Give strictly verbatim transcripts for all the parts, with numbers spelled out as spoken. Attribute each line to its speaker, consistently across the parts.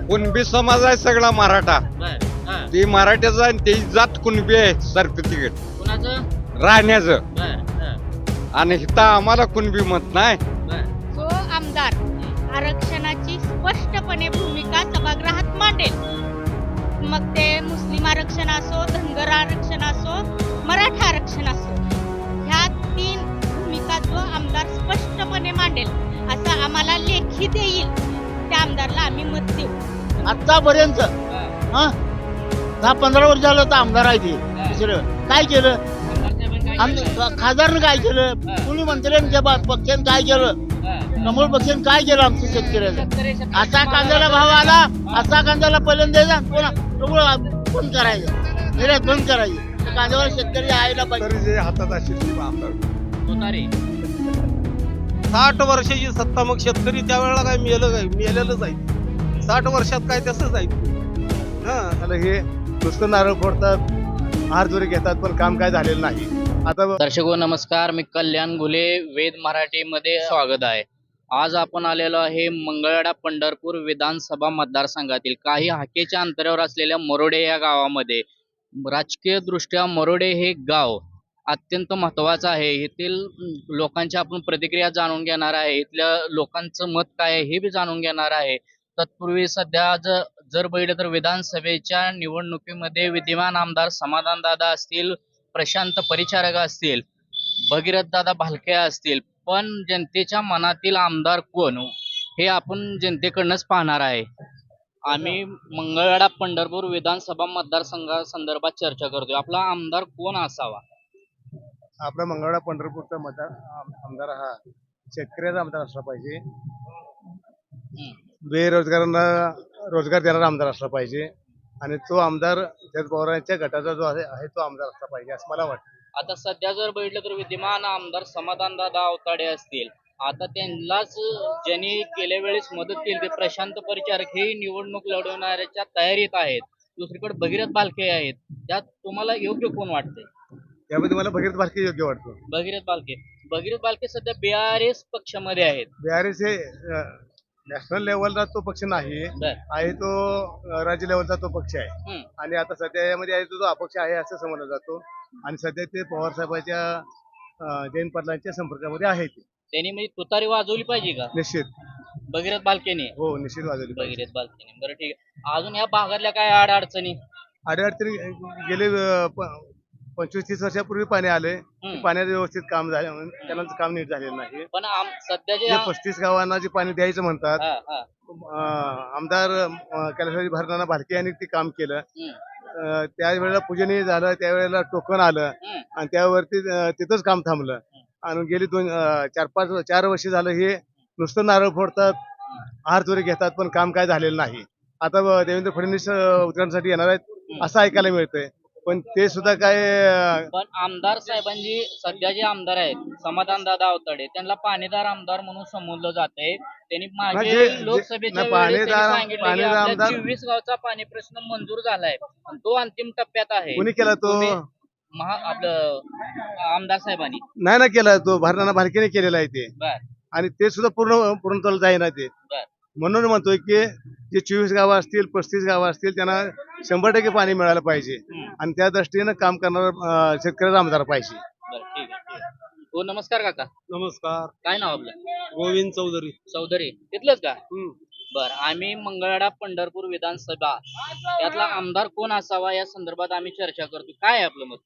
Speaker 1: कुणबी समाज आहे सगळा मराठा.
Speaker 2: बर हा
Speaker 1: ती मराठ्याचा आणि ती जात कुणबी आहे सर्टिफिकेट
Speaker 2: कुणाचं
Speaker 1: राहण्याचं.
Speaker 2: बर हा
Speaker 1: आणि इथं आम्हाला कुणबी मत नाही.
Speaker 2: बर
Speaker 3: जो आमदार आरक्षणाची स्पष्टपणे भूमिका सभागृहात मांडेल, मग ते मुस्लिम आरक्षण असो, धनगर आरक्षण असो, मराठा आरक्षण असो, ह्या तीन भूमिका जो आमदार स्पष्टपणे मांडेल असं आम्हाला लेखी देईल त्या आमदारला आम्ही मत देऊ.
Speaker 4: आतापर्यंत हा दहा पंधरा वर्ष झालं तर आमदार आहे ते. दुसरं काय केलं? आम- खासदारनं काय केलं? कुणी मंत्र्यांच्या बा- पक्षानं काय केलं? कमळ पक्षानं काय केलं आमच्या शेतकऱ्याचं? असा कांद्याला भाव आला, असा कांद्याला पहिल्यांदा द्यायचा, पुन्हा सगळं बंद करायचं, निर्यात बंद करायची. कांद्यावर शेतकरी यायला पाहिजे.
Speaker 1: तरी जे हातात असेल ते आमदार.
Speaker 2: तुतारी
Speaker 5: साठ वर्षाची सत्ता, मग शेतकरी त्यावेळेला काय मेलं काय मेलेलंच आहे. साठ वर्षात काय तसंच आहे. हा
Speaker 6: आता हे नुसतं नारळ फोडतात, हार जोरी घेतात, पण काम काय झालेलं नाही. आता
Speaker 2: दर्शको नमस्कार, मी कल्याण घुले, वेद मराठीमध्ये स्वागत आहे. आज आपण आलेलो आहे मंगळवेढा पंढरपूर विधानसभा मतदारसंघातील काही हाकेच्या अंतरावर असलेल्या मरोडे या गावामध्ये. राजकीय दृष्ट्या मरोडे हे गाव अत्यंत महत्वाचं आहे. येथील लोकांची आपण प्रतिक्रिया जाणून घेणार आहे, इथल्या लोकांचं मत काय आहे हे बी जाणून घेणार आहे. तत्पूर्वी सध्या ज जर बघितलं तर विधानसभेच्या निवडणुकीमध्ये विद्यमान आमदार समाधान दादा असतील, प्रशांत परिचारक असतील, भगीरथ दादा भालके असतील, पण जनतेच्या मनातील आमदार कोण हे आपण जनतेकडनंच पाहणार आहे. आम्ही मंगळवेढा पंढरपूर विधानसभा मतदारसंघा संदर्भात चर्चा करतोय. आपला आमदार कोण असावा?
Speaker 6: आपला मंगळवेढा पंढरपूरचा मतदार आम- आमदार हा शेतकऱ्याचा आमदार असला पाहिजे. बेरोजगारांना रोजगार देणारा आमदार असला पाहिजे. आणि तो आमदार शरद पवारांच्या गटाचा जो आहे आहे तो आमदार असला पाहिजे असं मला वाटतं.
Speaker 2: आता सध्या जर बघितलं तर विद्यमान आमदार समाधान दादा अवताडे असतील, आता त्यांनाच ज्यांनी गेल्या वेळेस मदत केली ते प्रशांत परिचारक हे निवडणूक लढवण्याच्या तयारीत आहेत. दुसरीकडे भगीरथ भालके आहेत. त्यात तुम्हाला योग्य कोण वाटते?
Speaker 6: त्यामध्ये मला भगीरथ भालके योग्य वाटतो.
Speaker 2: भगीरथ भालके भगीरथ भालके सध्या बीआरएस पक्षामध्ये आहेत.
Speaker 6: बिहारीस हे नॅशनल लेवलचा तो पक्ष नाही
Speaker 2: बर
Speaker 6: आहे, तो अं, राज्य लेवलचा तो पक्ष आहे.
Speaker 2: हम्म.
Speaker 6: आणि आता सध्या यामध्ये आहे तो जो अपक्ष आहे असं समजला जातो. आणि सध्या ते पवार साहेबांच्या अं, जयंत पाटलांच्या संपर्कामध्ये आहे ते.
Speaker 2: त्यांनी म्हणजे तुतारी वाजवली पाहिजे का
Speaker 6: निश्चित.
Speaker 2: भगीरथ भालकेने?
Speaker 6: हो, निश्चित वाजवली पाहिजे.
Speaker 2: भगीरथ भालकेने. बरं ठीक आहे. अजून या भागातल्या काय आड अडचणी?
Speaker 6: अडीअडचणी गेले अं, प- पंचवीस तीस वर्षापूर्वी पाणी आले.
Speaker 2: हम्म.
Speaker 6: पाण्याचं व्यवस्थित काम झालं, त्यांना काम नीट झालेलं नाही.
Speaker 2: पण आम सध्या जे
Speaker 6: जे पस्तीस गावांना जे पाणी द्यायचं म्हणतात,
Speaker 2: हा हा
Speaker 6: अं, आमदार अं, कैलासवासी भारताना भालके यांनी ते काम केलं.
Speaker 2: हम्म,
Speaker 6: अं, त्यावेळेला पूजनीय झालं, त्यावेळेला टोकन आलं
Speaker 2: हम्म.
Speaker 6: आणि त्यावरती अं, तिथंच काम थांबलं. आणि गेली दोन अं, चार पाच चार वर्ष झालं हे नुसतं नारळ फोडतात, हार चोरी घेतात, पण काम काय झालेलं नाही. आता ब- देवेंद्र फडणवीस अं, उद्घाटनासाठी येणार आहेत असं ऐकायला मिळतंय. पण ते सुद्धा काय अं,
Speaker 2: पण आमदार साहेबांची सध्या जे आमदार आहेत समाधान दादा अवताडे त्यांना पाणीदार आमदार म्हणून संबोधलं जाते. त्यांनी
Speaker 6: नाही,
Speaker 2: मागे
Speaker 6: जे- जे-
Speaker 2: लोकसभेच्या
Speaker 6: नाही,
Speaker 2: वेळेस त्यांनी
Speaker 6: पाणीदार-
Speaker 2: सांगितलं की
Speaker 6: पाणीदार
Speaker 2: आपल्या
Speaker 6: आमदार-
Speaker 2: चोवीस गावचा पाणी प्रश्न मंजूर झालाय आणि तो अंतिम टप्प्यात आहे.
Speaker 6: कोणी केला तो?
Speaker 2: तुम्ही महा आपलं आमदार साहेबांनी
Speaker 6: नाही ना केला तो, भारताना भालकेने केलेला आहे ते.
Speaker 2: बर
Speaker 6: आणि ते सुद्धा पूर्ण पूर्णत्वाला जाईना ते.
Speaker 2: बर
Speaker 6: म्हणून म्हणतोय की जे चोवीस गावं असतील, पस्तीस गावं असतील, त्यांना शंभर टक्के पाणी मिळालं पाहिजे.
Speaker 2: हम्म.
Speaker 6: आणि त्या दृष्टीनं काम करणारा अं, शेतकऱ्याचा आमदार पाहिजे.
Speaker 2: बर ठीक आहे ठीक आहे. हो नमस्कार काका,
Speaker 5: नमस्कार.
Speaker 2: काय नाव आपलं?
Speaker 5: गोविंद चौधरी.
Speaker 2: चौधरी तिथलंच का?
Speaker 5: हम्म.
Speaker 2: बर आम्ही मंगळवेढा पंढरपूर विधानसभा यातला आमदार कोण असावा या संदर्भात आम्ही चर्चा करतो. काय आहे आपलं मत?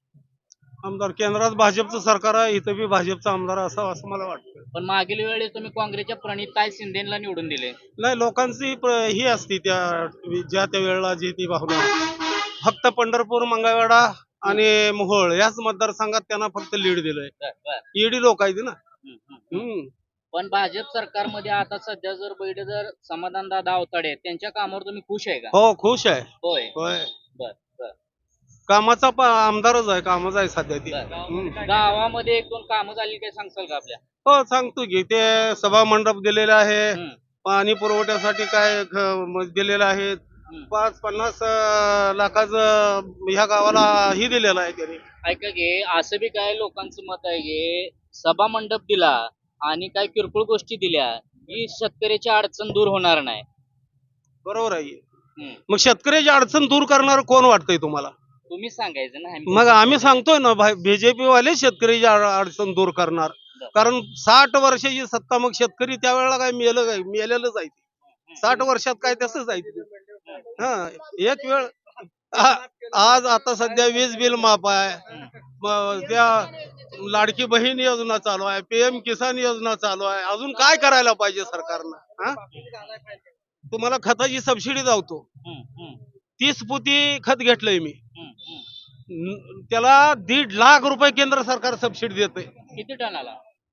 Speaker 5: आमदार केंद्रात भाजपचं सरकार आहे, इथं बी भाजपचा आमदार असावा असं मला वाटतं.
Speaker 2: पण मागील वेळेस तुम्ही काँग्रेसच्या प्रणिताई शिंदेला निवडून दिले.
Speaker 5: नाही, लोकांची प्र- ही असती त्या ज्या त्या वेळेला जी ती भावना. फक्त पंढरपूर, मंगळवेढा आणि मोहोळ याच मतदारसंघात त्यांना फक्त लीड दिलंय.
Speaker 2: बर, बर.
Speaker 5: ईडी लोक आहेत ना.
Speaker 2: हम्म, हम्म.
Speaker 5: हम्म.
Speaker 2: पण भाजप सरकारमध्ये आता सध्या जर बघितलं जर समाधान दादा अवताडे त्यांच्या कामावर तुम्ही खुश आहे का?
Speaker 5: हो, खुश आहे.
Speaker 2: होय
Speaker 5: होय,
Speaker 2: बर बर
Speaker 5: कामाचा प- आमदारच आहे, कामच आहे सध्या ती.
Speaker 2: बर.
Speaker 5: हम्म.
Speaker 2: गावामध्ये एक दोन कामं झाली काय सांगसाल का आपल्या?
Speaker 5: हो, सांगतो की ते सभा मंडप दिलेले आहे,
Speaker 2: हम्म,
Speaker 5: पाणी पुरवठ्यासाठी काय ख- म- दिलेलं आहे.
Speaker 2: हम्म.
Speaker 5: पाच पन्नास अं, लाखाचं ह्या गावाला ही दिलेलं आहे त्यांनी.
Speaker 2: ऐका की असं बी काय लोकांचं मत आहे की सभा मंडप दिला आणि काय किरकोळ गोष्टी दिल्या की शेतकऱ्याची अडचण दूर होणार नाही.
Speaker 5: बरोबर आहे
Speaker 2: हम्म.
Speaker 5: मग शेतकऱ्याची अडचण दूर करणार कोण वाटतंय तुम्हाला
Speaker 2: तुम्ही सांगायचं ना आम्ही-
Speaker 5: मग आम्ही सांगतोय ना बीजेपी वाले शेतकऱ्याची अड- अडचण दूर करणार कारण साठ वर्षाची सत्ता मग शेतकरी त्यावेळेला काय मेलं काय मेलेलंच आहे ते. साठ वर्षात काय तसंच आहे ते. हा एक वेळ आ- आज आता सध्या वीज बिल माफ आहे मग त्या लाडकी बहीण योजना चालू आहे पीएम किसान योजना चालू आहे अजून काय करायला पाहिजे सरकारनं हा तुम्हाला खताची सबसिडी जावतो
Speaker 2: हम्म, हम्म,
Speaker 5: तीस पोती खत घेतलंय मी
Speaker 2: हम्म, हम्म.
Speaker 5: न- त्याला दीड लाख रुपये केंद्र सरकार सबसिडी देते
Speaker 2: किती टनाला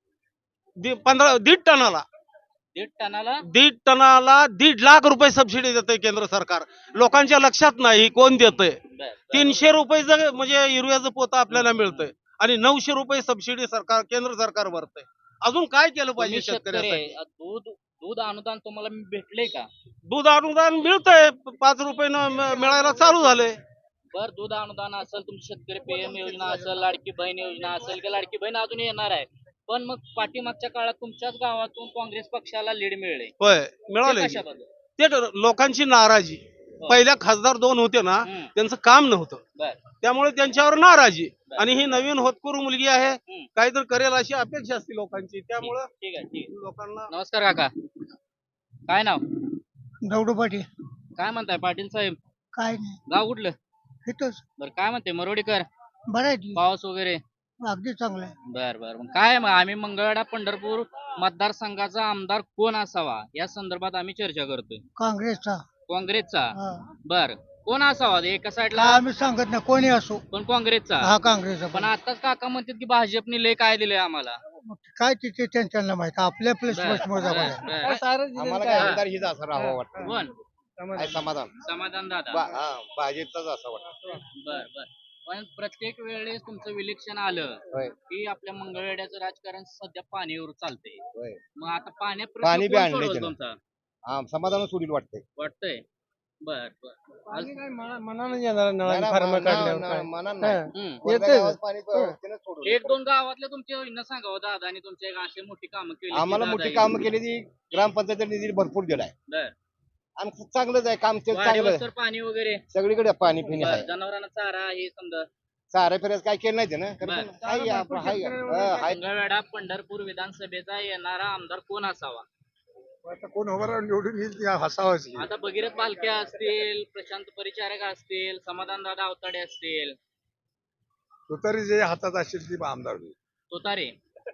Speaker 5: पंधरा दीड टनाला
Speaker 2: दीड टनाला
Speaker 5: दीड टनाला दीड लाख रुपये सबसिडी देते केंद्र सरकार लोकांच्या लक्षात नाही कोण देतंय
Speaker 2: बर, बर.
Speaker 5: तीनशे रुपयेचं म्हणजे युरियाचं पोतं आपल्याला मिळतंय आणि नऊशे रुपये सबसिडी सरकार केंद्र सरकार भरतंय अजून काय केलं
Speaker 2: तुम्ही
Speaker 5: पाहिजे
Speaker 2: शेतकरी
Speaker 5: शेतकऱ्यासाठी
Speaker 2: आहे. दूध दूध अनुदान तुम्हाला भेटले का
Speaker 5: दूध अनुदान मिळतंय पाच रुपयानं म- मिळायला चालू झालंय
Speaker 2: बर दूध अनुदान असेल तुमची शेतकरी पीएम योजना असेल लाडकी बहीण योजना असेल की लाडकी बहीण अजून येणार आहे पण मग पाठीमागच्या काळात तुमच्याच गावातून काँग्रेस पक्षाला लीड मिळले
Speaker 5: होय
Speaker 2: ते
Speaker 5: मिळालंय
Speaker 2: कशाबद्दल?
Speaker 5: ते तर लोकांची नाराजी पहिल्या खासदार दोन होते ना
Speaker 2: हम्म.
Speaker 5: त्यांचं काम नव्हतं
Speaker 2: बर
Speaker 5: त्यामुळे त्यांच्यावर नाराजी आणि ही नवीन होतकरू मुलगी आहे
Speaker 2: हम्म.
Speaker 5: काहीतरी करेल अशी अपेक्षा असते लोकांची त्यामुळं
Speaker 2: ठीक आहे ठीक आहे.
Speaker 5: लोकांना
Speaker 2: नमस्कार काका काय नाव
Speaker 4: दौडू पाटील
Speaker 2: काय म्हणताय पाटील साहेब
Speaker 4: काय नाही
Speaker 2: गाव कुठलं
Speaker 4: इथंच
Speaker 2: बर काय म्हणते मरोडीकर
Speaker 4: बरं आहे
Speaker 2: पाऊस वगैरे
Speaker 4: अगदी चांगलं आहे
Speaker 2: बर बर मग काय मग आम्ही मंगळवेढा पंढरपूर मतदारसंघाचा आमदार कोण असावा या संदर्भात आम्ही चर्चा करतोय
Speaker 4: काँग्रेसचा
Speaker 2: काँग्रेसचा
Speaker 4: हा.
Speaker 2: बर कोण असावा एका साईडला
Speaker 4: आम्ही सांगत नाही कोणी असो
Speaker 2: पण काँग्रेसचा
Speaker 4: हा काँग्रेसचा
Speaker 2: पण आताच काका म्हणतात की भाजपने लय काय दिलंय आम्हाला
Speaker 4: काय तिथे त्यांना माहिती आपल्या आपल्या
Speaker 2: बर,
Speaker 4: स्पष्ट
Speaker 2: बर, बर.
Speaker 6: आम्हाला
Speaker 2: काय
Speaker 6: आमदार हीच असं राहावं वाटतं
Speaker 2: कोण
Speaker 6: काय समाधान
Speaker 2: समाधान दादा
Speaker 6: बा- हा, भाजपचाच असं वाटतं
Speaker 2: बर बर पण प्रत्येक वेळेस तुमचं विलेक्शन आलं
Speaker 6: होय
Speaker 2: की आपल्या मंगळवेढ्याचं राजकारण सध्या पाणीवर चालतंय
Speaker 6: होय
Speaker 2: मग आता पाण्या
Speaker 6: पाणी बी आणलंय
Speaker 2: सोडवलं
Speaker 6: त्यानं.
Speaker 2: तुमचा
Speaker 6: हा समाधान सोडील वाटतंय
Speaker 2: वाटतंय बर बर आज-
Speaker 4: मनानं येणार
Speaker 6: नाही ना,
Speaker 4: फार्म
Speaker 6: मना-
Speaker 4: काढल्यावर
Speaker 6: ना-
Speaker 4: काय.
Speaker 6: मनानं नाही.
Speaker 2: हम्म.
Speaker 6: कोणत्या
Speaker 4: येतंय.
Speaker 6: गावात पाणी प- त्यानं सोडलं.
Speaker 2: एक दोन गावातल्या तुमच्या न सांगावं दादा आणि तुमच्या एक अशी मोठी कामं केली की
Speaker 6: आम्हाला
Speaker 2: दादा
Speaker 6: मोठी
Speaker 2: हे-
Speaker 6: कामं केली ती ग्रामपंचायत निधी भरपूर दिलाय
Speaker 2: बर
Speaker 6: आणि खूप चांगलंच आहे काम ते चांगलं
Speaker 2: वाडीवर
Speaker 6: आहे.
Speaker 2: तर पाणी वगैरे
Speaker 6: सगळीकडे पाणी पिणे
Speaker 2: बर,
Speaker 6: आहे
Speaker 2: जनावरांना चारा हे समजा
Speaker 6: सारे फिरायचं काय केलं नाही ना
Speaker 2: बरं.
Speaker 6: हाय आपलं हाय हा, हाय
Speaker 2: मंगळवेढा पंढरपूर विधानसभेचा येणारा आमदार कोण असावा
Speaker 7: आता कोण उभं राहून निवडून येईल ती हसावंच की.
Speaker 2: आता भगीरथ बालके असतील प्रशांत परिचारक असतील समाधान दादा अवताडे असतील
Speaker 7: तुतारी जे हातात असेल ती आमदार होईल.
Speaker 2: तुतारे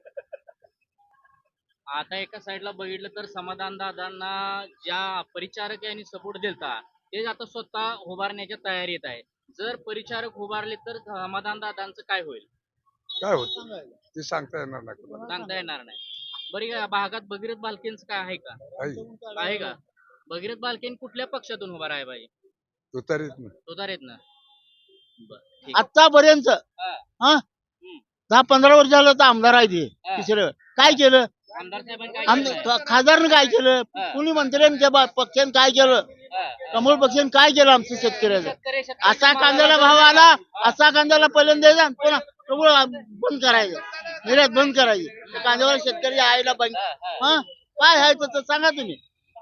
Speaker 2: आता एका साईडला बघितलं तर समाधान दादांना ज्या परिचारक यांनी सपोर्ट दिलता ते आता स्वतः उभारण्याच्या तयारीत आहे जर परिचारक उभारले तर समाधान दादांचं काय होईल
Speaker 7: काय होत ते सांगता येणार नाही कोणाला.
Speaker 2: सांगता येणार नाही बरी या भागात भगीरथ बालकेंचं काय आहे का
Speaker 7: आहे.
Speaker 2: आहे का भगीरथ बालकेन कुठल्या पक्षातून उभा राहाय पाहिजे
Speaker 7: तुतारीत नाही.
Speaker 2: तुतारेत ना बर ठीक आहे.
Speaker 4: आतापर्यंत
Speaker 2: हा.
Speaker 4: हा
Speaker 2: हम्म.
Speaker 4: दहा पंधरा वर्ष झालं तर आमदार आहे ते
Speaker 2: हा.
Speaker 4: तिसरं काय केलं
Speaker 2: आमदार साहेबांनी काय
Speaker 4: आम-
Speaker 2: केलंय?
Speaker 4: खासदारनं काय केलं
Speaker 2: हा.
Speaker 4: कुणी मंत्र्यांच्या बा- पक्षानं काय केलं
Speaker 2: हा, हा.
Speaker 4: कमळ पक्षानं काय केलं आमचं शेतकऱ्याचं
Speaker 2: शेतकरी- शेतकरी
Speaker 4: असा
Speaker 2: तुम्हाला-
Speaker 4: कांद्याला भाव आला असा कांद्याला पहिल्यांदा द्यायचा आणि पुन्हा सगळं बंद करायचं निर्यात बंद करायची त्या कांद्यावर शेतकरी आयला बंद
Speaker 2: हा, हा.
Speaker 4: हा काय आहे तर सांगा तुम्ही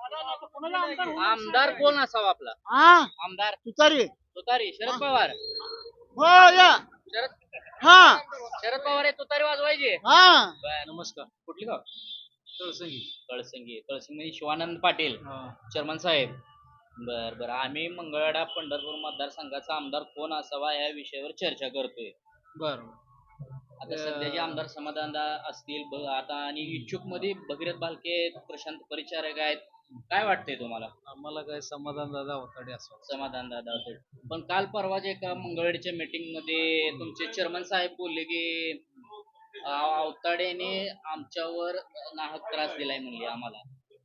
Speaker 2: आमदार कोण असावा आपला
Speaker 4: हा
Speaker 2: आमदार
Speaker 4: तुतारी
Speaker 2: तुतारी शरद पवार
Speaker 4: हो या
Speaker 2: शरद
Speaker 4: हा
Speaker 2: शरद पवार हे तुतारी वाजवायचे
Speaker 4: हा
Speaker 2: बर, नमस्कार कुठली गाव कळसंगी कळसंगी कळसंगी शिवानंद पाटील चर्मन साहेब बर बर आम्ही मंगळवेढा पंढरपूर मतदारसंघाचा आमदार कोण असावा या विषयावर चर्चा करतोय
Speaker 8: बर
Speaker 2: आता सध्याचे आमदार समाधान दा- असतील ब- आता आणि इच्छुक मध्ये भगीरथ बालके आहेत, प्रशांत परिचारक आहेत काय वाटतंय तुम्हाला
Speaker 8: आम्हाला काय समाधान दादा अवताडे असं
Speaker 2: समाधान दादा होते पण काल परवाच एका मंगळवेढच्या मीटिंग मध्ये तुमचे चेअरमन साहेब बोलले की अं, अवताडेने आमच्यावर नाहक त्रास दिलाय म्हणले आम्हाला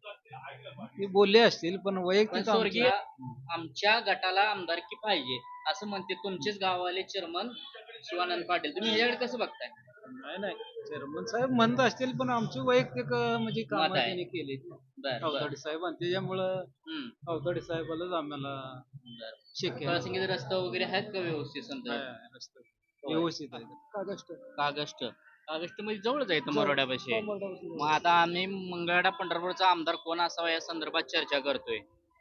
Speaker 8: ते बोलले असतील पण
Speaker 2: पण
Speaker 8: वैयक्तिक
Speaker 2: स्वर्गीय
Speaker 8: आमच्या-
Speaker 2: आमच्या गटाला आमदारकी पाहिजे असं म्हणते तुमचेच गावाले चेअरमन शिवानंद पाटील तुम्ही ह्याच्याकडे कसं बघताय
Speaker 8: नाही नाही चेअरमन साहेब म्हणत असतील पण आमचे वैयक्तिक अं, म्हणजे काम
Speaker 2: मत आहे.
Speaker 8: त्यांनी केले
Speaker 2: बर बर
Speaker 8: अवताडे साहेब आणि त्याच्यामुळं
Speaker 2: हम्म
Speaker 8: अवताडे साहेबालाच आम्हाला
Speaker 2: बर
Speaker 8: शक्य
Speaker 2: कळसंगीचे रस्ता वगैरे आहेत का व्यवस्थित समजा
Speaker 8: व्यवस्थित आहे कागस्ट
Speaker 2: कागस्ट कागस्ट मध्ये जवळच आहे मरोड्यापाशी मग आता आम्ही मंगळवेढा पंढरपूरचा आमदार कोण असावा या संदर्भात चर्चा करतोय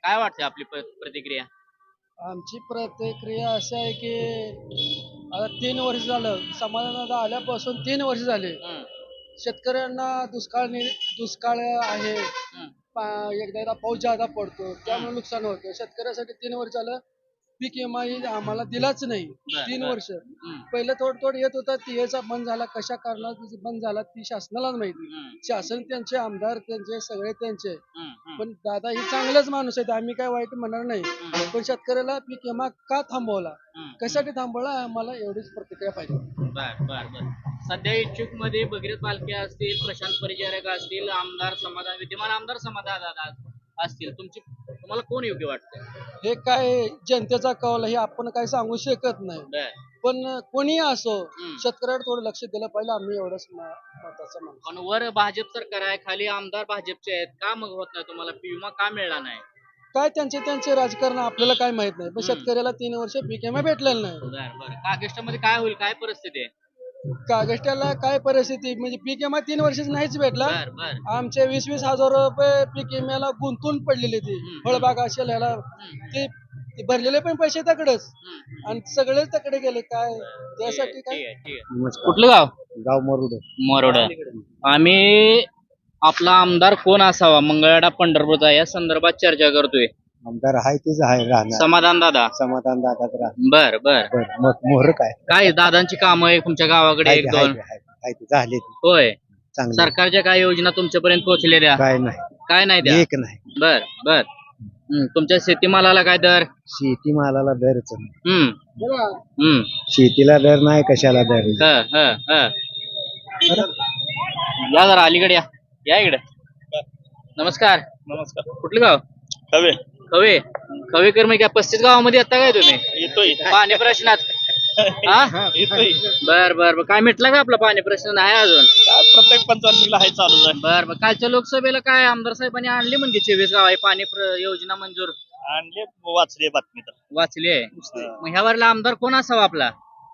Speaker 2: काय वाटते आपली प- प्रतिक्रिया?
Speaker 9: आमची प्रतिक्रिया अशी आहे की आता तीन वर्ष झालं समाधान आल्यापासून तीन वर्ष झाले.
Speaker 2: हम्म,
Speaker 9: शेतकऱ्यांना दुष्काळ नि- दुष्काळ आहे.
Speaker 2: हम्म,
Speaker 9: पा- एकदा एकदा पाऊस जादा पडतो त्यामुळे नुकसान होतं. शेतकऱ्यासाठी तीन वर्ष झालं पीक विमा ही आम्हाला दिलाच नाही.
Speaker 2: बर,
Speaker 9: तीन
Speaker 2: बर.
Speaker 9: वर्ष
Speaker 2: हम्म,
Speaker 9: पहिलं थोडं थोडं येत होता ती याचा बंद झाला. कशा कारणात बंद झाला ती शासनालाच माहिती.
Speaker 2: हम्म,
Speaker 9: शासन त्यांचे आमदार त्यांचे सगळे त्यांचे.
Speaker 2: हम्म, हम्म,
Speaker 9: पण दादा ही चांगलेच माणूस आहेत आम्ही काय वाईट म्हणणार नाही.
Speaker 2: हम्म,
Speaker 9: पण शेतकऱ्याला पीक विमा का थांबवला
Speaker 2: हम्म.
Speaker 9: कशासाठी थांबवला आम्हाला एवढीच प्रतिक्रिया पाहिजे.
Speaker 2: बर बर बर सध्या इच्छुक मध्ये भगीरथ बालके असतील, प्रशांत परिचारक असतील, आमदार समाधान विद्यमान आमदार समाधान दादा असतील, तुमची तुम्हाला कोण योग्य वाटतं?
Speaker 9: हे काय जनतेचा कौल हे आपण काय सांगू शकत नाही.
Speaker 2: बर
Speaker 9: पण कोणी असो
Speaker 2: हम्म.
Speaker 9: शेतकऱ्यावर थोडं लक्ष दिलं पाहिजे आम्ही एवढंच म- मताचं माणूस.
Speaker 2: पण वर भाजप सरकार आहे, खाली आमदार भाजपचे आहेत, का मग होत नाही तुम्हाला विमा का मिळाला नाही?
Speaker 9: काय त्यांचे त्यांचे राजकारण आपल्याला काय माहित नाही. पण
Speaker 2: हम्म.
Speaker 9: शेतकऱ्याला तीन वर्ष पीक विमा भेटलेला नाही.
Speaker 2: बर बर कागेष्टामध्ये काय होईल, काय परिस्थिती आहे?
Speaker 9: कागस्ट्याला काय परिस्थिती म्हणजे पीक विमा तीन वर्षच नाहीच भेटला.
Speaker 2: बर बर
Speaker 9: आमचे वीस वीस हजार रुपये पीक विम्याला गुंतून पडलेले ती
Speaker 2: हम्म.
Speaker 9: फळबाग असेल ह्याला
Speaker 2: हम्म,
Speaker 9: ते ते भरलेले पण पैसे तकडेच
Speaker 2: हम्म.
Speaker 9: आणि सगळेच तकडे गेले काय
Speaker 2: ठीक आहे,
Speaker 9: त्यासाठी
Speaker 2: ठीक
Speaker 9: काय.
Speaker 2: आहे, ठीक आहे. कुठलं गाव?
Speaker 4: गाव मरुड
Speaker 2: मोरोड. आम्ही आपला आमदार कोण असावा मंगळवेढा पंढरपूरचा या संदर्भात चर्चा करतोय.
Speaker 4: आमदार आहे तेच आहे राहणार
Speaker 2: समाधान दादा.
Speaker 4: समाधान दादा
Speaker 2: बर बर
Speaker 4: मोहर काय
Speaker 2: काय दादांची कामं आहे तुमच्या गावाकडे एक दोन?
Speaker 4: झाले
Speaker 2: होय.
Speaker 4: चांगले
Speaker 2: सरकारच्या काय योजना तुमच्यापर्यंत पोहोचलेल्या?
Speaker 4: काय नाही
Speaker 2: काय नाही त्या?
Speaker 4: एक नाही
Speaker 2: बर बर हम्म, तुमच्या शेतीमालाला काय दर?
Speaker 4: शेतीमालाला दरच नाही.
Speaker 2: हम्म हम्म
Speaker 4: शेतीला दर नाही कशाला दर
Speaker 2: ह ह ह या जरा अलीकडे या या इकडे. नमस्कार.
Speaker 5: नमस्कार.
Speaker 2: कुठलं गाव?
Speaker 5: कवे
Speaker 2: खवे. खवेकर मग काय पस्तीस गावामध्ये आता काय तुम्ही
Speaker 5: येतोय
Speaker 2: पाणी प्रश्नात? हा
Speaker 5: येतोय
Speaker 2: बर बर बर काय मिटला का आपला पाणी प्रश्न? नाही अजून.
Speaker 5: काय प्रत्येक पंचायतीला आहे चालू आहे.
Speaker 2: बर बर कालच्या लोकसभेला काय आमदार साहेबांनी आणली म्हणजे चोवीस गाव आहे पाणी प्र- योजना मंजूर
Speaker 5: आणले वाचले बातमी तर
Speaker 2: वाचली आहे. मग ह्या वरला आमदार कोण असावा आपला?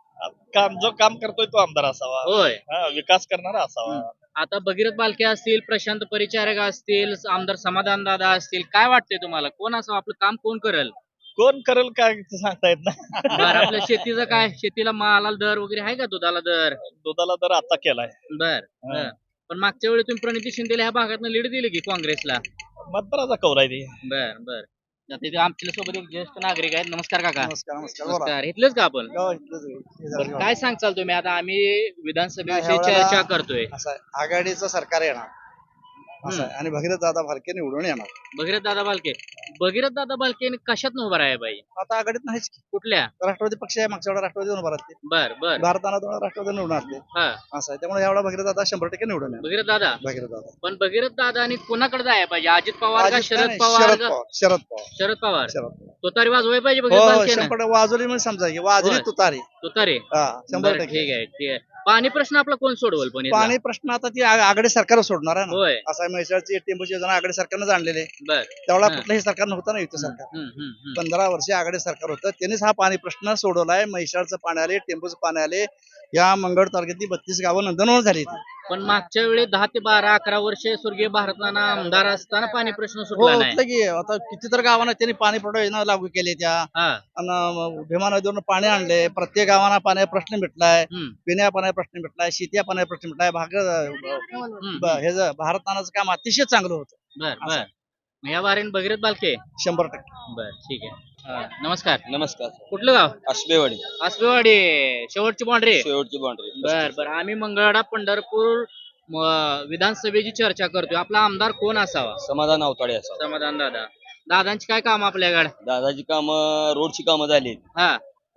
Speaker 5: काम जो काम करतोय तो आमदार असावा.
Speaker 2: होय.
Speaker 5: हा, विकास करणारा असावा.
Speaker 2: आता भगीरथ बालके असतील, प्रशांत परिचारक असतील, आमदार समाधान दादा असतील, काय वाटतंय तुम्हाला कोण असावं? आपलं काम कोण करेल?
Speaker 5: कोण करेल काय ते सांगता येत नाही.
Speaker 2: बर आपल्या शेतीचं काय? शेतीला मालाला दर वगैरे आहे का? दुधाला दर?
Speaker 5: दुधाला दर आता केलाय.
Speaker 2: बर बर. पण मागच्या वेळी तुम्ही प्रणिती शिंदेला ह्या भागात लीड दिली की काँग्रेसला?
Speaker 5: मतदाराचा कौल आहे ते.
Speaker 2: बर बर. आता इथे आमच्या सोबत एक ज्येष्ठ नागरिक आहेत. नमस्कार काका.
Speaker 6: नमस्कार नमस्कार
Speaker 2: नमस्कार. इथलेच का आपण? बरं, काय सांगचाल तुम्ही? आता आम्ही विधानसभेविषयी
Speaker 6: नाही, ह्यावेळेला-
Speaker 2: चर्चा करतोय.
Speaker 6: असं आहे, आघाडीचं सरकार येणार असं आहे आणि भगीरथ दादा भालके निवडून येणार.
Speaker 2: भगीरथ दादा बालके. भगीरथ दादा बालके कशात उभा राहाय पाहिजे?
Speaker 6: आता आघाडीत नाहीच की.
Speaker 2: कुठल्या?
Speaker 6: राष्ट्रवादी पक्ष आहे मागच्या वेळा राष्ट्रवादी उभा राहते.
Speaker 2: बर बर
Speaker 6: भारताला दोन राष्ट्रवादी निवडून असते
Speaker 2: हा
Speaker 6: असं आहे त्यामुळे यावेळा भगीरथ दादा शंभर टक्के निवडून येणार.
Speaker 2: भगीरथ दादा.
Speaker 6: भगीरथ दादा
Speaker 2: पण भगीरथ दादा आणि कोणाकडे जायला पाहिजे? अजित पवार का
Speaker 6: अजित
Speaker 2: शरद
Speaker 6: नाही,
Speaker 2: पवार
Speaker 6: शरद
Speaker 2: का?
Speaker 6: पवार शरद पवार
Speaker 2: शरद पवार.
Speaker 6: शरद पवार
Speaker 2: तो तरी वाजवाय पाहिजे
Speaker 6: हो
Speaker 2: भगीरथ
Speaker 6: हो
Speaker 2: बालकेनं.
Speaker 6: शंभर टक्के वाजवली म्हणजे समजा की वाजली
Speaker 2: होय.
Speaker 6: तुतारी
Speaker 2: तो तरी
Speaker 6: हा शंभर
Speaker 2: बरं,
Speaker 6: टक्के.
Speaker 2: ठीक आहे ठीक आहे. पाणी प्रश्न आपला कोण सोडवल पण इथला?
Speaker 6: पाणी प्रश्न आता ती आ- आघाडी सरकार सोडणार आहे ना.
Speaker 2: होय.
Speaker 6: असं आहे म्हैसाळची टेंबूची योजना आघाडी सरकारनं आणलेले
Speaker 2: बर
Speaker 6: त्यावेळेला
Speaker 2: हा.
Speaker 6: कुठलंही सरकार नव्हतं ना युती सरकार.
Speaker 2: हम्म, हम्म, हम्म.
Speaker 6: पंधरा वर्षे आघाडी सरकार होतं त्यांनीच हा पाणी प्रश्न सोडवलाय. म्हैसाळचं पाणी आले टेंबूचं पाणी आले या मंगळ तालुक्यातली बत्तीस गावं नंदनवन झाली.
Speaker 2: पण मागच्या वेळी दहा ते बारा अकरा वर्षे स्वर्गीय भारतनाना आमदार असताना पाणी प्रश्न
Speaker 6: हो
Speaker 2: सुटला नाही.
Speaker 6: होतं की आता कितीतर गावांना त्यांनी पाणी पुरवठा योजना लागू केली त्या
Speaker 2: हा
Speaker 6: आणि भीमा नदीवरून पाणी आणले. प्रत्येक गावांना पाण्याचा प्रश्न मिटलाय.
Speaker 2: हम्म,
Speaker 6: पिण्या पाण्याचा प्रश्न मिटलाय. शेती पाण्याचा प्रश्न मिटलाय. भाग
Speaker 2: हम्म.
Speaker 6: ब- हे जे भारतनानाचं काम अतिशय चांगलं होतं.
Speaker 2: बर बर. मग या बारीन भगीरथ बालके.
Speaker 6: शंभर टक्के.
Speaker 2: बर ठीक आहे. हा, नमस्कार.
Speaker 10: नमस्कार.
Speaker 2: कुठलं गाव?
Speaker 10: आसबेवाडी
Speaker 2: आसबेवाडी. शेवटची बाउंड्री.
Speaker 10: शेवटची बाउंड्री.
Speaker 2: बर बर. आम्ही मंगळवेढा पंढरपूर म- विधानसभेची चर्चा करतोय. आपला आमदार कोण असावा?
Speaker 10: समाधान अवताडे असावं.
Speaker 2: समाधान दादा. दादांची काय काम आपल्याकडे?
Speaker 10: दादाची कामं रोडची कामं झाली
Speaker 2: हा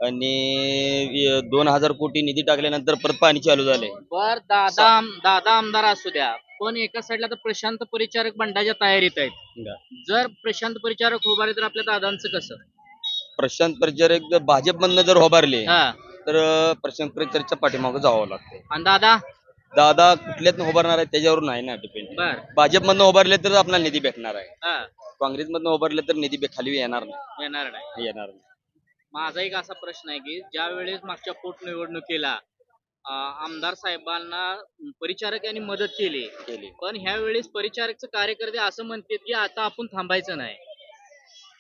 Speaker 10: आणि दोन हजार कोटी निधी टाकल्यानंतर परत पाणी चालू झालंय.
Speaker 2: बर दादा आम- दादा आमदार असू द्या पण एका साईडला तर प्रशांत परिचारक बंडाच्या तयारीत आहेत. जर प्रशांत परिचारक उभारले तर आपल्या दादांचं कसं?
Speaker 10: प्रशांत परिचारक जर भाजपमधनं जर उभारले
Speaker 2: हा
Speaker 10: तर प्रशांत परिचारकच्या पाठीमागं जावं लागतंय.
Speaker 2: आणि दादा.
Speaker 10: दादा कुठल्यातनं उभारणार आहे त्याच्यावर नाही ना डिपेंड.
Speaker 2: बर
Speaker 10: भाजपमधनं उभारले तर आपल्याला निधी भेटणार आहे.
Speaker 2: हा
Speaker 10: काँग्रेसमधनं उभारले तर निधी बे- खाली येणार नाही.
Speaker 2: येणार नाही.
Speaker 10: येणार नाही.
Speaker 2: माझा एक असा प्रश्न आहे की ज्या वेळेस मागच्या पोटनिवडणुकीला अं, आमदार साहेबांना परिचारक यांनी मदत केली
Speaker 10: केली.
Speaker 2: पण ह्या वेळेस परिचारकचे कार्यकर्ते असं म्हणतात की आता आपण थांबायचं नाही.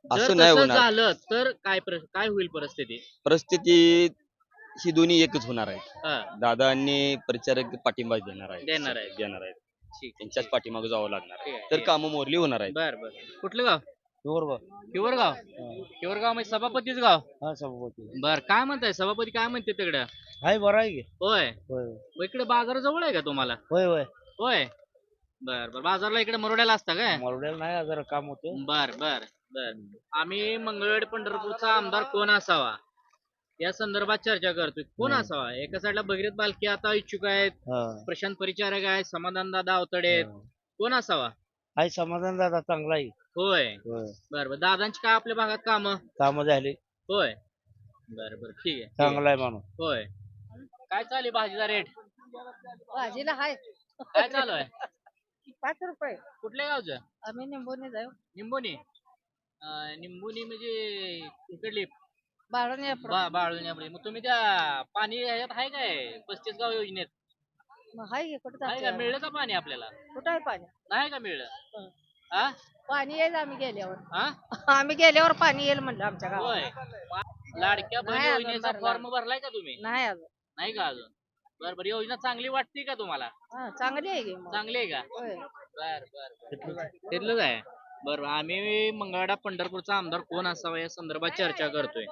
Speaker 2: जर
Speaker 10: असं नाही
Speaker 2: तसं
Speaker 10: होणार.
Speaker 2: झालं तर काय प्र- काय होईल परिस्थिती?
Speaker 10: परिस्थिती ही दोन्ही एकच होणार आहे.
Speaker 2: हा,
Speaker 10: दादा आणि परिचारक पाठिंबा देणार आहे
Speaker 2: देणार आहेत.
Speaker 10: देणार आहेत
Speaker 2: ठीक
Speaker 10: त्यांच्याच पाठीमागे जावं लागणार
Speaker 2: ठीक
Speaker 10: आहे
Speaker 2: आहे,
Speaker 10: तर
Speaker 2: ठीक
Speaker 10: कामं मोरली होणार आहेत.
Speaker 2: बर बर कुठलं गाव? हिवरगाव. हिवरगाव म्हणजे सभापतीच गाव.
Speaker 4: हा सभापती
Speaker 2: बर काय म्हणताय सभापती काय म्हणते तिकडं?
Speaker 4: हाय बरं आहे की
Speaker 2: होय
Speaker 4: होय
Speaker 2: मग इकडे बाजार जवळ आहे का तुम्हाला?
Speaker 4: होय होय
Speaker 2: होय बर बर बाजारला इकडे मरोड्याला असता काय?
Speaker 4: मरुड्याला नाही जरा काम होतं
Speaker 2: बर बर बर आम्ही मंगळवेढ पंढरपूरचा आमदार कोण असावा या संदर्भात चर्चा करतोय. कोण
Speaker 4: हम्म.
Speaker 2: असावा? एका साईडला भगीरथ बालके आता इच्छुक आहेत,
Speaker 4: हा
Speaker 2: प्रशांत परिचारक आहे, समाधान दादा अवतडे आहेत. कोण असावा?
Speaker 4: हाय समाधान दादा चांगला आहे
Speaker 2: होय
Speaker 4: होय
Speaker 2: बर बर दादांची काय आपल्या भागात काम?
Speaker 4: काम झाले
Speaker 2: होय बर बर ठीक आहे, ठीक आहे
Speaker 4: चांगला आहे माणूस
Speaker 2: होय. काय चालू आहे भाजीचा रेट?
Speaker 3: भाजीला हाय
Speaker 2: काय चालू आहे?
Speaker 3: पाच रुपये.
Speaker 2: कुठल्या गावचं?
Speaker 3: आम्ही निंबूने जाऊ
Speaker 2: निंबोनी. अं, निंबोनी म्हणजे इकडली
Speaker 3: बाळून
Speaker 2: बा- बाळवणी आपली. मग तुम्ही त्या पाणी ह्याच्यात आहे काय पस्तीस गाव योजनेत
Speaker 3: हाय कुठं
Speaker 2: आहे का? मिळलं का पाणी आपल्याला?
Speaker 3: कुठं आहे पाणी?
Speaker 2: नाही का मिळलं? हा
Speaker 3: पाणी येईल आम्ही गेल्यावर.
Speaker 2: हा
Speaker 3: आम्ही गेल्यावर पाणी येईल म्हणलं आमच्या गावात.
Speaker 2: होय लाडक्या बहीण
Speaker 3: नाही अजून
Speaker 2: योजनेचा
Speaker 3: भरला.
Speaker 2: फॉर्म भरलाय का तुम्ही?
Speaker 3: नाही अजून.
Speaker 2: नाही का अजून? बर बर योजना चांगली वाटते का तुम्हाला?
Speaker 3: हा, चांगली आहे की मग.
Speaker 2: चांगली आहे का?
Speaker 3: होय.
Speaker 2: बर बर तिथलंच आहे. बरं आम्ही मंगळवाडा पंढरपूरचा आमदार कोण असावा या संदर्भात चर्चा करतोय.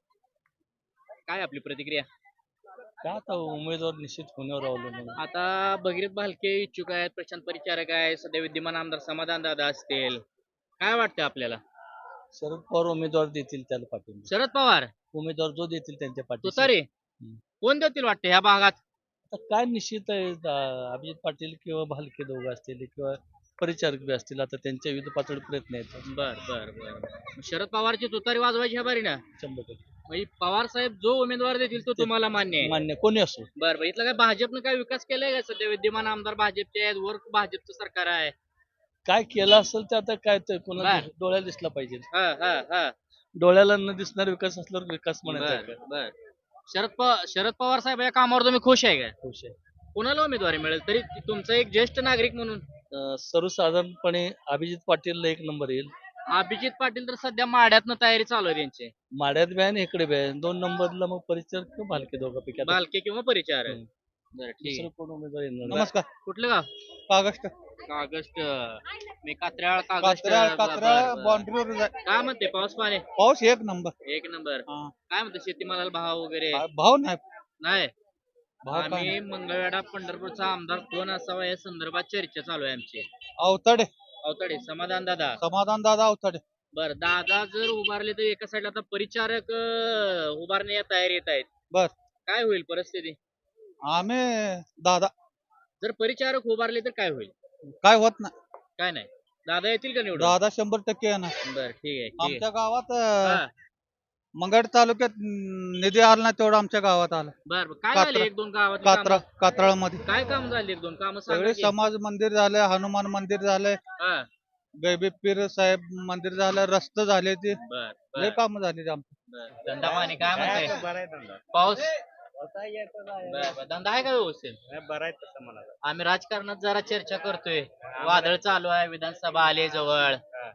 Speaker 2: काय आपली प्रतिक्रिया?
Speaker 4: काय आता उमेदवार निश्चित होण्यावर अवलंबून
Speaker 2: आता भगीरथ भालके इच्छुक आहेत, प्रशांत परिचारक आहे, सध्या विद्यमान आमदार समाधान दादा असतील. काय वाटतं आपल्याला?
Speaker 4: शरद पवार उमेदवार देतील त्याला पाठिंबा
Speaker 2: शरद पवार
Speaker 4: उमेदवार जो देतील त्यांच्या पाठीशी
Speaker 2: तुतारी कोण देतील वाटतं ह्या भागात?
Speaker 4: आता काय निश्चित आहे अं, अभिजित पाटील किंवा भालके दोघं असतील किंवा परिचारक बी असतील आता त्यांच्या विविध पातळी प्रयत्न आहेत
Speaker 2: बर बर बर शरद पवारची तुतारी वाजवायची ह्या बारी ना
Speaker 4: शंभर टक्के
Speaker 2: म्हणजे पवार साहेब जो उमेदवार देतील तो तुम्हाला मान्य आहे?
Speaker 4: मान्य कोणी असो
Speaker 2: बर बर इथलं काय भाजपनं काय विकास केलाय का? सध्या विद्यमान आमदार भाजपचे आहेत, वर भाजपचं सरकार आहे.
Speaker 4: काय केलं असेल ते आता काय ते कोणाला
Speaker 2: बर.
Speaker 4: डोळ्याला दिसला पाहिजे
Speaker 2: हा हा हा
Speaker 4: डोळ्याला न दिसणारा विकास असल्यावर विकास म्हणायचा
Speaker 2: बर
Speaker 4: काय?
Speaker 2: बर शरद पवार शरद पवार साहेब या कामावर तुम्ही खुश आहे का?
Speaker 4: खुश आहे
Speaker 2: कुणाला उमेदवारी मिळेल तरी तुमचा एक ज्येष्ठ नागरिक म्हणून?
Speaker 4: अं, सर्वसाधारणपणे अभिजित पाटीलला एक नंबर येईल
Speaker 2: अभिजित पाटील तर सध्या माड्यातनं तयारी चालू आहे त्यांची.
Speaker 4: माड्यात बी आहे आणि इकडे बी आहे दोन नंबरला मग परिचारक किंवा भालके दोघांपैकी आता
Speaker 2: बालके किंवा परिचारक.
Speaker 4: हम्म.
Speaker 2: बरं ठीक
Speaker 4: दुसरं
Speaker 2: आहे.
Speaker 4: कोण उमेदवार येणार नाही.
Speaker 5: नमस्कार
Speaker 2: कुठलं गाव?
Speaker 5: कागस्ट
Speaker 2: कागस्ट मी कात्र्याळ कागस्ट
Speaker 5: कात्र्याळ
Speaker 2: बर,
Speaker 5: कात्र्याळ
Speaker 2: बर, बर.
Speaker 5: बाउंड्रीवर
Speaker 2: काय म्हणते पाऊस पाणी?
Speaker 5: पाऊस एक नंबर
Speaker 2: एक नंबर.
Speaker 5: हा.
Speaker 2: काय म्हणते शेतीमालाला भाव वगैरे?
Speaker 5: भाव नाही
Speaker 2: नाही
Speaker 5: भाव काय
Speaker 2: आम्ही मंगळवेढा पंढरपूरचा आमदार कोण असावा या संदर्भात चर्चा चालू आहे आमची.
Speaker 5: अवतडे
Speaker 2: अवतडे समाधान दादा.
Speaker 5: समाधान दादा अवतडे
Speaker 2: बर दादा जर उभारले तर एका साईडला आता परिचारक अं, उभारण्या तयारीत आहेत.
Speaker 5: बर
Speaker 2: काय होईल परिस्थिती?
Speaker 5: आम्ही दादा
Speaker 2: जर परिचारक उभारले तर काय होईल?
Speaker 5: काय होत नाही
Speaker 2: काय नाही दादा येतील का निवडून?
Speaker 5: दादा शंभर टक्के येणार
Speaker 2: बर ठीक आहे ठीक
Speaker 5: आमच्या गावात
Speaker 2: आहे.
Speaker 5: अं,
Speaker 2: हा,
Speaker 5: मंगळ तालुक्यात अं, निधी आला ना तेवढा आमच्या गावात आला
Speaker 2: बर बर. काय
Speaker 5: कात्रा-
Speaker 2: झाले एक दोन गावात
Speaker 5: कात्रा कात्राळ मध्ये
Speaker 2: काय काम झाले एक दोन काम
Speaker 5: सगळे समाज मंदिर झाले हनुमान मंदिर झाले गैबी पीर साहेब मंदिर झालं रस्ते झाले ते
Speaker 2: बर
Speaker 5: लय
Speaker 2: बर
Speaker 5: काम झाले ते आमचे
Speaker 2: बर. धंदा पाणी काय म्हणते? पाऊस बर, बर. धंदा आहे का व्यवस्थित? आम्ही राजकारणात जरा चर्चा करतोय. वादळ चालू आहे, विधानसभा आले जवळ.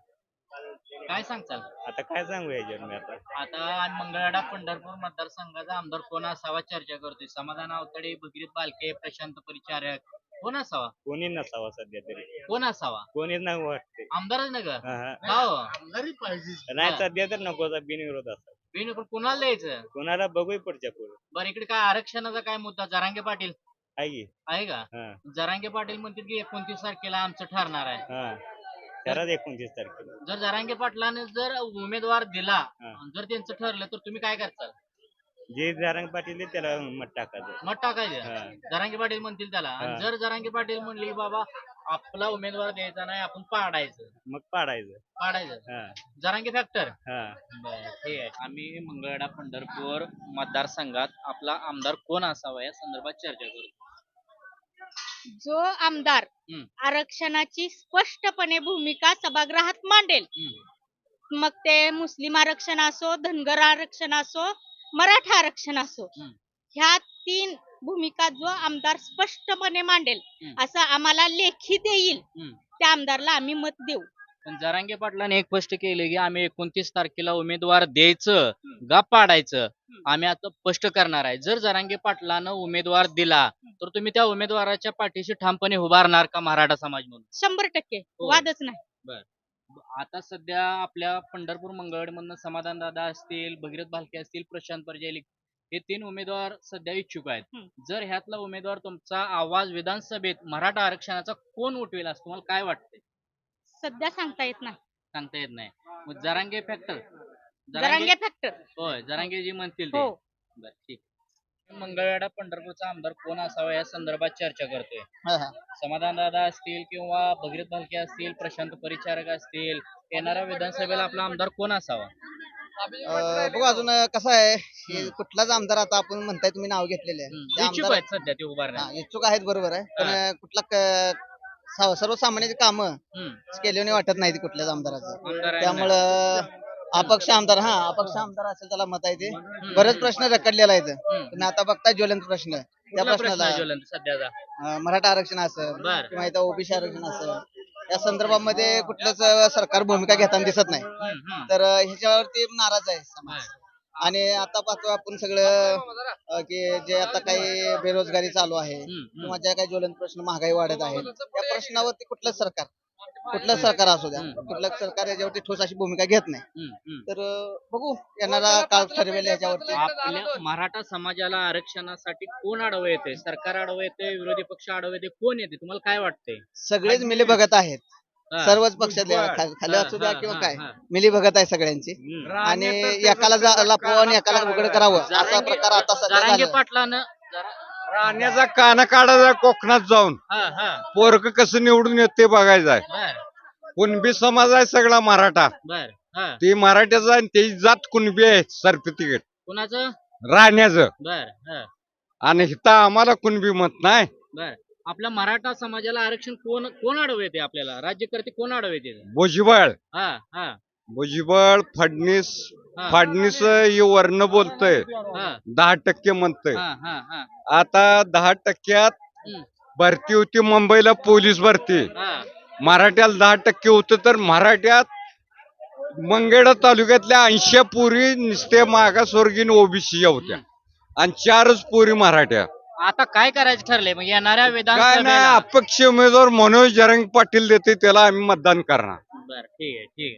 Speaker 2: काय सांगताल?
Speaker 10: आता काय सांगू याच्यावर मी आता
Speaker 2: आता आम्ही मंगळवेढा पंढरपूर मतदारसंघाचा आमदार कोण असावा चर्चा करतोय. समाधान अवतडे, भगीरथ बालके, प्रशांत परिचारक कोण असावा?
Speaker 10: कोणी नसावा सध्या तरी
Speaker 2: कोण असावा?
Speaker 10: कोणीच नाही वाटते
Speaker 2: आमदारच नाही का?
Speaker 10: हा, हा.
Speaker 2: का हो?
Speaker 10: नाही
Speaker 2: हा.
Speaker 10: सध्या तर नको बिनविरोध असा
Speaker 2: बिन पण कोणाला द्यायचं?
Speaker 10: कोणाला बघू पुढच्या पुढे
Speaker 2: बरं इकडे काय आरक्षणाचा काय मुद्दा? जरांगे पाटील
Speaker 10: आहे की
Speaker 2: आहे का?
Speaker 10: हा
Speaker 2: जरांगे पाटील म्हणतील की एकोणतीस तारखेला आमचं ठरणार आहे.
Speaker 10: हा खरंच एकोणतीस तारखेला
Speaker 2: जर जरांगे पाटलाने जर उमेदवार दिला
Speaker 10: हा.
Speaker 2: आणि जर त्यांचं ठरलं तर तुम्ही काय करताल?
Speaker 10: जे जारंग पाटील आहे त्याला मत टाकायचं
Speaker 2: मत टाकायचं.
Speaker 10: हा.
Speaker 2: जरांगे पाटील म्हणतील त्याला आणि
Speaker 10: हा.
Speaker 2: जर जरांगे पाटील म्हणले की बाबा आपला उमेदवार द्यायचा नाही आपण पाडायचं
Speaker 10: मग पाडायचं
Speaker 2: पाडायचं
Speaker 10: हा
Speaker 2: जरांगे फॅक्टर.
Speaker 10: हा
Speaker 2: बरं ठीक आहे. आम्ही मंगळवेढा पंढरपूर मतदारसंघात आपला आमदार कोण असावा या संदर्भात चर्चा करू.
Speaker 3: जो आमदार
Speaker 2: हम्म.
Speaker 3: आरक्षणाची स्पष्टपणे भूमिका सभागृहात मांडेल,
Speaker 2: हम्म.
Speaker 3: मग ते मुस्लिम आरक्षण असो, धनगर आरक्षण असो, मराठा आरक्षण असो,
Speaker 2: हम्म.
Speaker 3: ह्या तीन भूमिका जो आमदार स्पष्टपणे मांडेल
Speaker 2: हम्म.
Speaker 3: असं आम्हाला लेखी देईल
Speaker 2: हम्म.
Speaker 3: त्या आमदारला आम्ही मत देऊ.
Speaker 2: पण जरांगे पाटलांनी एक स्पष्ट केले की आम्ही एकोणतीस तारखेला उमेदवार द्यायचं का पाडायचं आम्ही आता स्पष्ट करणार आहे. जर जरांगे पाटलानं उमेदवार दिला तर तुम्ही त्या उमेदवाराच्या पाठीशी ठामपणे उभारणार का मराठा समाज म्हणून?
Speaker 3: शंभर टक्के
Speaker 2: हो.
Speaker 3: वादच नाही.
Speaker 2: बर आता सध्या आपल्या पंढरपूर मंगळवाडमधनं समाधान दादा असतील, भगीरथ भालके असतील, प्रशांत परजैली हे तीन उमेदवार सध्या इच्छुक आहेत.
Speaker 3: हम्म.
Speaker 2: जर ह्यातला उमेदवार तुमचा आवाज विधानसभेत मराठा आरक्षणाचा कोण उठवेल असं तुम्हाला काय वाटतंय?
Speaker 3: सध्या सांगता येत नाही.
Speaker 2: सांगता येत नाही. मग जरांगे फॅक्टर
Speaker 3: जरांगे फॅक्टर
Speaker 2: होय जरांगे जी म्हणतील ते.
Speaker 3: हो.
Speaker 2: बर ठीक. मंगळवेढा पंढरपूरचा आमदार कोण असावा या संदर्भात चर्चा करतोय. समाधान दादा असतील किंवा भगीरथ भालके असतील, प्रशांत परिचारक असतील, येणाऱ्या विधानसभेला आपला आमदार कोण असावा?
Speaker 11: अं, बघू अजून कसं आहे हे कुठलाच आमदार आता आपण म्हणताय तुम्ही नाव घेतलेले आहे
Speaker 2: हम्म,
Speaker 11: त्या
Speaker 2: इच्छुक
Speaker 11: आमदार-
Speaker 2: आहेत सध्या ते उभारण्यात.
Speaker 11: हा, इच्छुक आहेत बरोबर आहे पण कुठला क- सा- सर्वसामान्याची कामं
Speaker 2: हम्म,
Speaker 11: केल्याने वाटत नाही कुठल्याच आमदाराचं
Speaker 2: आमदार आहे ना.
Speaker 11: त्यामुळं अपक्ष आमदार हा अपक्ष आमदार असेल त्याला मत आहे ते बरेच प्रश्न रखडलेला आहे इथं.
Speaker 2: हम्म.
Speaker 11: तुम्ही आता बघताय ज्वलंत प्रश्न त्या
Speaker 2: कुठला प्रश्न
Speaker 11: प्रश्नाला
Speaker 2: आहे ज्वलंत सध्याचा?
Speaker 11: अं, मराठा आरक्षण असेल
Speaker 2: बर.
Speaker 11: किंवा इथं ओबीसी आरक्षण असेल या संदर्भामध्ये कुठलंच अं, सरकार भूमिका घेताना दिसत नाही
Speaker 2: हम्म, हम्म.
Speaker 11: तर अं, ह्याच्यावरती नाराज आहे समाज. आणि आता पाहतो आपण सगळं अं, की जे आता काही बेरोजगारी चालू आहे
Speaker 2: हम्म, हम्म.
Speaker 11: किंवा ज्या काही ज्वलंत प्रश्न महागाई वाढत आहे त्या प्रश्नावरती कुठलंच सरकार कुठलंच सरकार असू द्या
Speaker 2: हम्म.
Speaker 11: कुठलंच सरकार याच्यावरती ठोस अशी भूमिका घेत नाही.
Speaker 2: हम्म, हम्म.
Speaker 11: तर अं, बघू येणारा काळ ठरवेल याच्यावरती.
Speaker 2: आपल्या मराठा समाजाला आरक्षणासाठी कोण आडवं येते? सरकार आडवं येते, विरोधी पक्ष आडवं येते, कोण येते? तुम्हाला काय वाटतंय?
Speaker 11: सगळेच मिली बघत आहेत
Speaker 2: हा.
Speaker 11: सर्वच पक्षातले
Speaker 1: भुजबळ.
Speaker 11: खा- खाली
Speaker 2: हा,
Speaker 11: असू द्या
Speaker 2: हा,
Speaker 11: किंवा
Speaker 2: हा,
Speaker 11: काय
Speaker 2: हा.
Speaker 11: मिली भगत आहे सगळ्यांची
Speaker 2: हम्म.
Speaker 11: आणि
Speaker 1: राणे तर
Speaker 11: एकाला जा-
Speaker 1: त्याचं
Speaker 11: लपवावं आणि एकाला
Speaker 1: काना
Speaker 11: उघड करावं असा
Speaker 2: जरांगे-
Speaker 11: प्रकार आता सध्या
Speaker 2: जरांगे
Speaker 11: झाला.
Speaker 2: पाटलानं जरा-
Speaker 1: राण्याचा काना काढायचा कोकणात जाऊन
Speaker 2: हा हा
Speaker 1: पोरग कसं निवडून येत ते बघायचं आहे.
Speaker 2: बर
Speaker 1: कुणबी समाज आहे सगळा मराठा.
Speaker 2: बर हा
Speaker 1: ते मराठ्याचं आणि त्याची जात कुणबी आहे सर्टिफिकेट
Speaker 2: कुणाचं?
Speaker 1: राहण्याचं.
Speaker 2: बर हा
Speaker 1: आणि इथं आम्हाला कुणबी मत नाही.
Speaker 2: बर आपल्या मराठा समाजाला आरक्षण कोण कोण अडव येते? आपल्याला राज्यकर्ते कोण अडव येते?
Speaker 1: भुजबळ
Speaker 2: हा हा
Speaker 1: भुजबळ फडणीस
Speaker 2: हा.
Speaker 1: फडणीस हे वर्ण बोलतोय
Speaker 2: हा
Speaker 1: दहा टक्के म्हणतोय.
Speaker 2: हा हा हा
Speaker 1: आता दहा टक्क्यात
Speaker 2: हम्म.
Speaker 1: भरती होती मुंबईला पोलीस भरती.
Speaker 2: हा
Speaker 1: मराठ्याला दहा टक्के होतं तर मराठ्यात मंगेडा तालुक्यातल्या ऐंशी पुरी नुसते मागासवर्गीय ओबीसी होत्या आणि चारच पुरी मराठ्या.
Speaker 2: आता काय करायचं ठरलंय मग येणाऱ्या
Speaker 1: काय नाही
Speaker 2: विधानसभेला?
Speaker 1: अपक्ष उमेदवार मनोज जरंग पाटील देते त्याला आम्ही मतदान करणार.
Speaker 2: बर ठीक आहे ठीक आहे